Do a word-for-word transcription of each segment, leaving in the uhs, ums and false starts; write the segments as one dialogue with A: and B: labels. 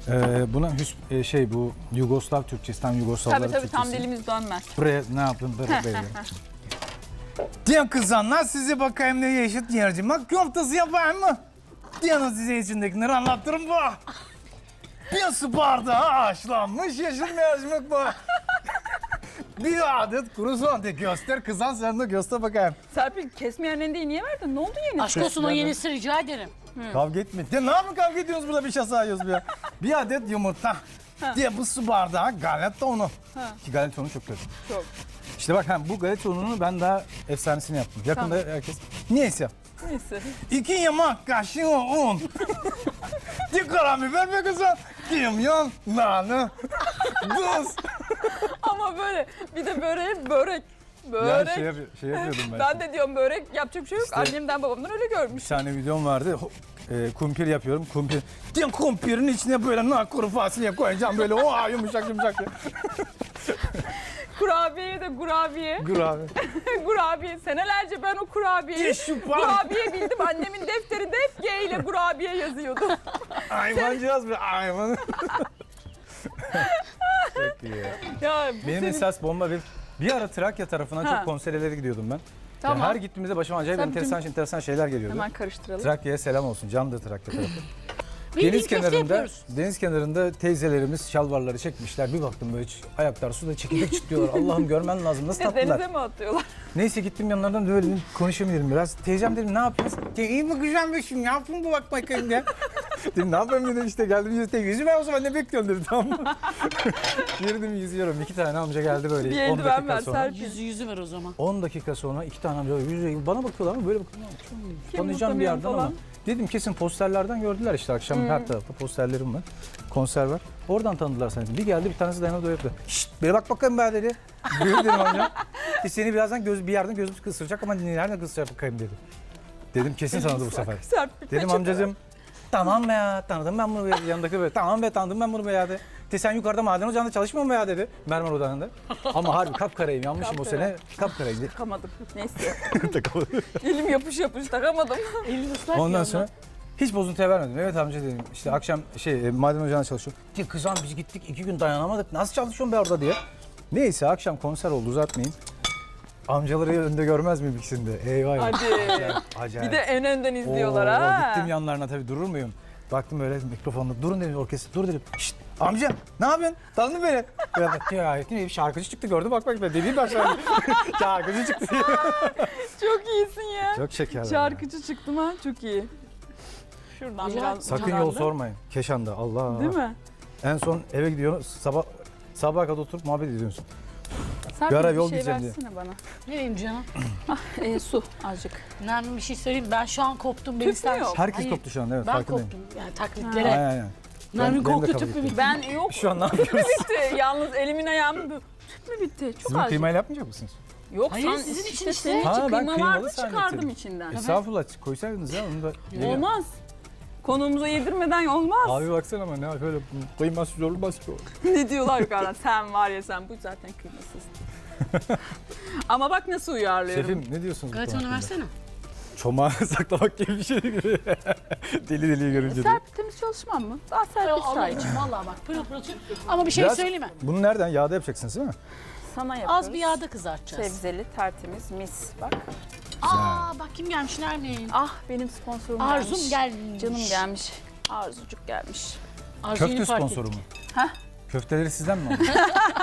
A: Ee, buna hüs e, şey bu Yugoslav Türkçesi, tam Yugoslavlar
B: Tabii tabii
A: Türkçesi.
B: tam dilimiz dönmez.
A: Buraya ne yaptın böyle böyle. Diyen kızanlar size bakayım ne yeşil yercim. Bak köftesi yapayım mı? Diyanın size içindekileri anlattırım bu. Bir su bardağı haşlanmış yeşil mercimek bu. Bir adet kuru soğan de göster kızan, sen de göster bakayım.
B: Serpil kesmeyen rendeyi niye verdin? Ne oldu yeni?
C: Aşk olsun o yenisi rica ederim.
A: Kavga etme. Ya ne yapın kavga ediyorsunuz burada, bir şey sayıyoruz ya. Bir adet yumurta. Diye bu su bardağı galeta unu. Ki galeta unu çok kötü.
B: Çok.
A: İşte bak hem bu galeta ununu ben daha efsanesini yaptım. Yakında
B: Tamam.
A: herkes. Neyse.
B: Neyse.
A: İki yemek kaşığı un. Bir karabiber be kızım. Kimyon, nane, tuz.
B: Ama böyle bir de böreğe börek.
A: Ya
B: Börek.
A: şey, yap şey yapıyordum ben.
B: Ben de diyorum börek yapacak bir şey yok.
A: İşte-
B: Annemden babamdan öyle görmüş.
A: Bir tane videom vardı. E, kumpir yapıyorum. Kumpir. Diyorum kumpirin içine böyle nar kuru fasulye koyacağım böyle. Oha yumuşak yumuşak.
B: Kurabiye de kurabiye.
A: Dur abi.
B: Kurabiye. Senelerce ben o kurabiyeyi,
A: Ye şu pan.
B: kurabiye bildim. Annemin defterinde hep G ile kurabiye yazıyordu.
A: Hayvancağız be hayvan. Çok iyi ya.
B: Ya bu
A: Benim
B: senin...
A: esas bomba bir bir ara Trakya tarafına
B: Ha.
A: çok konserlere gidiyordum ben.
B: Tamam.
A: Ya her gittiğimizde başıma acayip
B: Sen
A: enteresan
B: bütün-
A: enteresan şeyler geliyordu.
B: Hemen karıştıralım.
A: Trakya'ya selam olsun. Candır Trakya tarafı.
C: Bildiğin
A: Deniz
C: köfte
A: kenarında,
C: yapıyoruz.
A: deniz kenarında teyzelerimiz şalvarları çekmişler. Bir baktım böyle hiç ayaklar suda çekirdek çitliyorlar. Allah'ım görmen lazım. Nasıl tatlılar.
B: Denize mi atıyorlar?
A: Neyse gittim yanlarından böyle konuşayım dedim biraz. Teyzem dedim ne yapıyorsun? Ya iyi bakacağım be şimdi, ne yapayım bu bak bakayım ya. Dedim ne yapayım dedim, işte geldim yüzde yüzü ben o zaman ne bekliyorum dedim, tamam mı? Girdim yüzüyorum, iki tane amca geldi böyle.
B: Bir
A: on
B: eldiven
A: dakika
B: ver
A: sonra.
B: Serpil.
C: Yüzü yüzü ver o zaman.
A: on dakika sonra iki tane amca yüzüyor. Bana bakıyorlar ama böyle bakıyorlar.
B: Kim
A: Tanıyacağım bir yerden
B: utanıyor
A: ama.
B: falan.
A: Dedim kesin posterlerden gördüler işte, akşam her tarafta posterlerim var. Konser var. Oradan tanıdılar seni. Bir geldi bir tanesi dayanıp böyle yaptı. Şşt beni bak bakayım be dedi. Buyur dedim amca. E seni birazdan göz, bir yerden gözümüz kısıracak ama nereden kısıracak bakayım dedi. Dedim kesin tanıdı bu sefer.
B: Serpil
A: Dedim
B: peçete
A: amcacığım tamam be ya, tanıdım ben bunu be. Yanındaki böyle tamam be, tanıdım ben bunu be ya dedi. De sen yukarıda maden ocağında çalışmıyor mu be ya dedi. Mermer ocağında. Ama harbi kapkarayım, yanmışım o sene. Kapkarayım.
B: takamadım. Neyse. Elim yapış yapış takamadım.
C: Elini ıslak
A: Ondan
C: ya
A: sonra hiç bozuntuya vermedim. Evet amca dedim. İşte akşam şey e, maden ocağında çalışıyor. Diye kızım biz gittik iki gün dayanamadık. Nasıl çalışıyorsun be orada diye. Neyse akşam konser oldu, uzatmayayım. Amcaları önde görmez miyim ikisinde? Eyvah.
B: Hadi.
A: Acayip, acayip.
B: Bir de en önden izliyorlar
A: Oo,
B: ha.
A: Gittim yanlarına tabii, durur muyum? Baktım öyle mikrofonla. Durun dedim orkestra. Dur dedim. Şşt amca ne yapıyorsun? Tanıdın beni. Ya bak ya bir şarkıcı çıktı gördü, bak bak ben dediğim başladı. Şarkıcı çıktı diye.
B: Çok iyisin ya.
A: Çok şeker.
B: Şarkıcı çıktım ha, çok iyi. Şuradan
C: Güzel.
B: biraz
A: Sakın
B: ucundan
A: yol
B: da.
A: sormayın. Keşan'da Allah.
B: Değil mi?
A: En son eve gidiyorsun, sabah sabaha kadar oturup muhabbet ediyorsun.
B: Serpil
A: ara
B: bir
A: yol
B: şey
A: gideceğim diye.
B: versene bana.
C: Nereyim canım?
B: E, su azıcık.
C: Nermin bir şey söyleyeyim. Ben şu an koptum. Beni
B: Tüp mü
C: ister
B: yok?
C: misin?
A: Herkes
C: Hayır,
A: koptu şu an, evet
C: Ben
A: farkındayım.
C: koptum. Yani
A: Aynen
C: taklitlere.
A: aynen.
C: Nermin
A: Ben- benim de
C: korktu
A: kabul
C: tüp mü
A: ettim.
C: bitti?
B: Ben yok.
A: Şu an ne yapıyoruz?
B: bitti. Yalnız elimin ayağım tüp mü bitti? Çok
A: Siz bunu
B: azıcık.
A: kıymayla yapmayacak mısınız?
B: Yok
C: Hayır,
B: sen
C: sizin için
B: işte.
C: işte.
B: Senin
A: Ha,
B: için
A: ben
B: kıyma
A: kıymalı
B: vardı, çıkardım
A: zannettim.
B: içinden.
A: Estağfurullah koysaydınız ya onu da.
B: Olmaz. Konuğumuza yedirmeden olmaz.
A: Abi baksana ama ne böyle kıymasız olmaz ki o.
B: Ne diyorlar yukarıdan? Sen var ya sen, bu zaten kıymasız. Ama bak nasıl uyarlıyorum.
A: Şefim ne diyorsunuz bu
C: Evet
A: konu
C: onu
A: hakkında?
C: versene.
A: Çomağı saklamak gibi bir şey gibi. Deli deliyi görünce de.
B: Serpil temiz çalışmam mı? Daha Serpil
C: Allah
B: şahit.
C: için valla bak pırıl pırıl tüp. Ama bir şey
A: Biraz-
C: söyleme.
A: Bunu nereden? Yağda yapacaksınız değil mi?
B: Sana yapıyoruz.
C: Az bir yağda kızartacağız.
B: Sebzeli, tertemiz, mis. Bak.
C: Aa bak kim gelmiş Nermin?
B: Ah benim sponsorum
C: Arzum
B: gelmiş.
C: gelmiş.
B: Canım gelmiş. Arzucuk gelmiş.
C: Arzu yeni
A: Köfte
C: fark
A: sponsoru
C: etti.
A: mu?
B: Heh.
A: Köfteleri sizden mi aldın?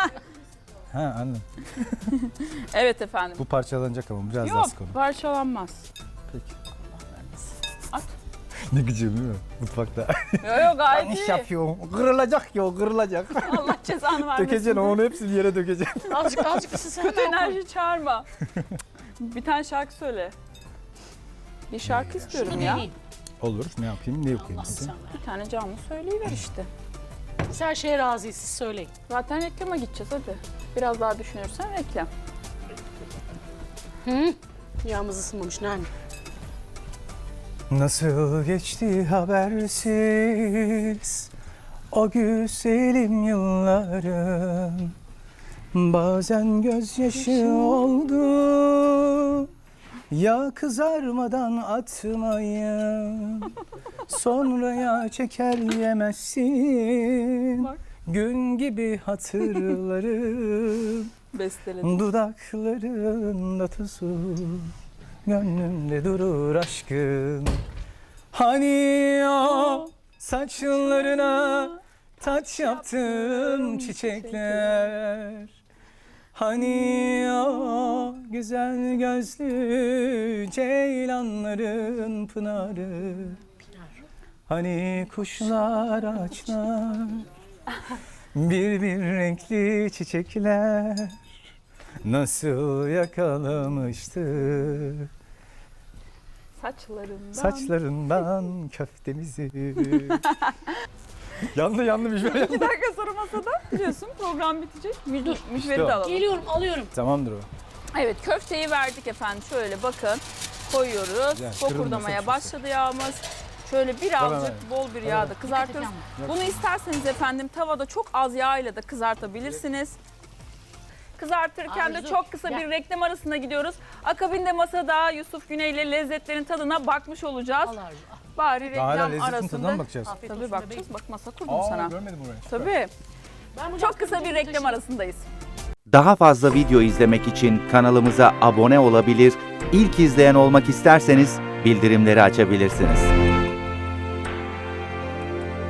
A: Ha anladım.
B: Evet efendim.
A: Bu parçalanacak ama biraz daha
B: Yok
A: sık onu.
B: parçalanmaz.
A: Peki.
B: At.
A: Ne gıcığım değil mi? Mutfakta.
B: Yok yok gayet
A: İş
B: iyi.
A: yapıyorum. Kırılacak ya, kırılacak.
B: Allah cezanı vermesin.
A: Dökeceksin onu, hepsini yere dökeceksin.
C: Azıcık azıcık ısısı
B: Kötü
C: hemen koy.
B: enerji çağırma. Bir tane şarkı söyle. Bir şarkı istiyorum
C: Şunu
B: ya.
C: deneyeyim.
A: Olur, ne yapayım, ne okuyayım
C: Allah
A: size?
C: sen ver.
B: Bir tane canlı söyleyiver işte.
C: Biz her şeye razıyız siz söyleyin.
B: Zaten reklama gideceğiz hadi. Biraz daha düşünürsen reklam.
C: Hı? Yağımız ısınmamış Nermin.
A: Nasıl geçti habersiz o güzelim yıllarım, bazen gözyaşı oldu, Ya kızarmadan atmayın, sonraya çeker yemezsin.
B: Bak.
A: Gün gibi hatırlarım,
B: Besteledim.
A: dudaklarında tuzu, gönlümde durur aşkın. Hani o saçlarına taç yaptım çiçekler. Hani o güzel gözlü ceylanların pınarı. Hani kuşlar ağaçlar, bir bir renkli çiçekler nasıl yakalamıştı
B: Saçlarından.
A: saçlarından köftemizi. yandı yandı bir şey.
B: İki dakika sonra masada biliyorsun program bitecek. Müdür, mücveri
A: o.
B: de alalım.
C: Geliyorum alıyorum.
A: Tamamdır o.
B: Evet, köfteyi verdik efendim. Şöyle bakın koyuyoruz.
A: Güzel,
B: Fokurdamaya
A: kırılmasın
B: başladı yağımız. Şöyle birazcık bol bir yağda kızartıyoruz.
C: Dikkat et
B: Bunu isterseniz efendim tavada çok az yağ ile de kızartabilirsiniz. Kızartırken de
C: Arzu,
B: çok kısa
C: gel.
B: bir reklam arasına gidiyoruz. Akabinde masada Yusuf Güney ile lezzetlerin tadına bakmış olacağız.
C: Al Arzu. al.
B: Bari
A: Daha hala
B: reklam
A: lezzetin tadına
B: arasında.
A: mı bakacağız?
C: Afiyet
B: Tabii
C: olsun
B: bakacağız.
C: bebeğim.
B: Bak masa kurdum sana.
A: Görmedim orayı.
B: Tabii.
C: Ben bunu
B: Çok kısa bir
C: aklımda
B: reklam
C: taşıyayım.
B: arasındayız.
D: Daha fazla video izlemek için kanalımıza abone olabilir, ilk izleyen olmak isterseniz bildirimleri açabilirsiniz.